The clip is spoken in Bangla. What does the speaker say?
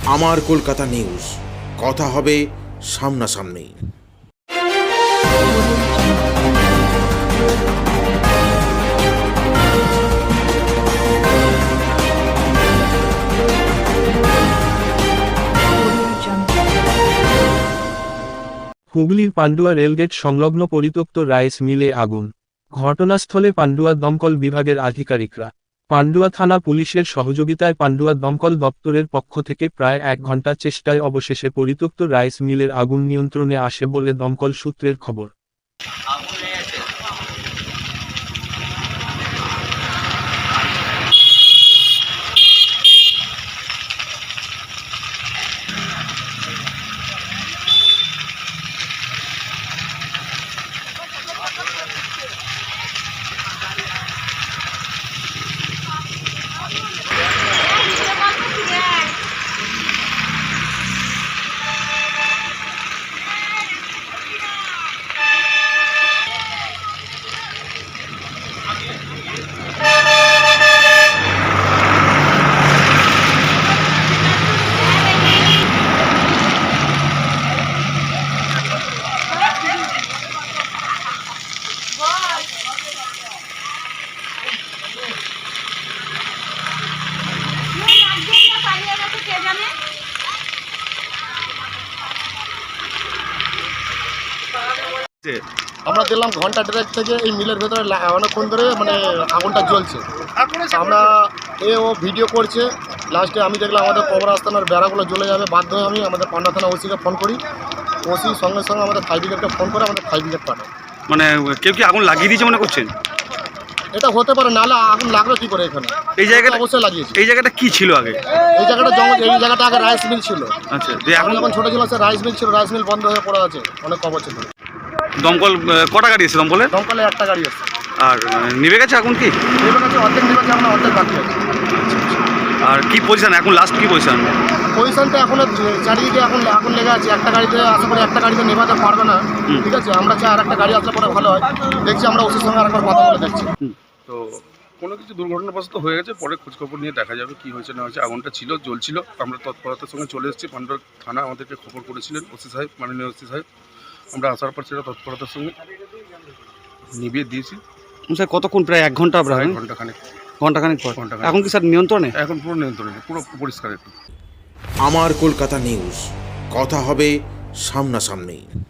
আমার কলকাতা নিউজ, কথা হবে সামনাসামনি। হুগলির পান্ডুয়া রেলগেট সংলগ্ন পরিত্যক্ত রাইস মিলে আগুন। ঘটনাস্থলে পান্ডুয়া দমকল বিভাগের আধিকারিকরা। পান্ডুয়া থানা পুলিশের সহযোগিতায় পান্ডুয়া দমকল দপ্তরের পক্ষ থেকে প্রায় 1 ঘন্টা চেষ্টায় অবশেষে পরিত্যক্ত রাইস মিলের আগুন নিয়ন্ত্রণে আসে বলে দমকল সূত্রের খবর। আমরা দেখলাম ঘন্টা দেড়েক থেকে এই মিলের ভেতরে অনেকক্ষণ ধরে মানে আগুনটা জ্বলছে। আমরা ও ভিডিও করছে, লাস্টে আমি দেখলাম আমাদের কবর আস্তানার বেড়াগুলো জ্বলে যাবে, বাধ্য হয়ে আমি আমাদের পান্ডা থানা ওসিকে ফোন করি। ওসি সঙ্গে সঙ্গে আমাদের ফায়ার ব্রিগেডকে ফোন করে আমাদের ফায়ার ব্রিগেড পাঠায়। মানে কেউ কি আগুন লাগিয়ে দিয়েছে মনে করছেন? এটা হতে পারে, নাহলে আগুন লাগলো কি করে এখানে? এই জায়গাটা অবশ্যই লাগিয়েছে। এই জায়গাটা কি ছিল আগে? এই জায়গাটা জঙ্গল, এই জায়গাটা আগে রাইস মিল ছিল। আচ্ছা, এখন যখন ছোটো ছিল সে রাইস মিল ছিল, রাইস মিল বন্ধ হয়ে পড়ে আছে অনেক বছর ধরে। দমকল কটা গাড়ি এসেছে দমকলে? দমকলে একটা গাড়ি আছে। আর নিভে গেছে আগুন কি? নিভে গেছে, অর্ধেক নিভে গেছে, আমরা অর্ধেক বাকি আছে। আর কি পজিশন এখন, লাস্ট কি পজিশন? পজিশনটা এখনো চারিদিকে এখন আগুন লেগে আছে। একটা গাড়িতে আশা করি একটা গাড়িতে নেভাতে পারবে না, ঠিক আছে। আমরা চাই আর একটা গাড়ি আসলে পরে ভালো হয়। দেখছি আমরা ওসির সঙ্গে আর একবার কথা বলে দেখছি। তো কোনো কিছু দুর্ঘটনাবশত হয়ে গেছে, পরে খোঁজখবর নিয়ে দেখা যাবে কি হয়েছে না হয়েছে। আগুনটা ছিল, জ্বলছিল। আমরা তৎপরতার সঙ্গে চলে এসেছি। পান্ডুয়া থানা আমাদেরকে খবর করেছিলেন ওসি সাহেব, মাননীয় ওসি সাহেব। আমরা আসার পর সেটা তৎপরতার সঙ্গে নিভিয়ে দিয়েছি। স্যার কতক্ষণ? প্রায় 1 ঘন্টা, প্রায় ঘন্টাখানেক পর। ঘন্টাখানেক। এখন কি স্যার নিয়ন্ত্রণে? এখন পুরো নিয়ন্ত্রণে, পুরো পরিষ্কার। একটু আমার কলকাতা নিউজ, কথা হবে সামনাসামনি।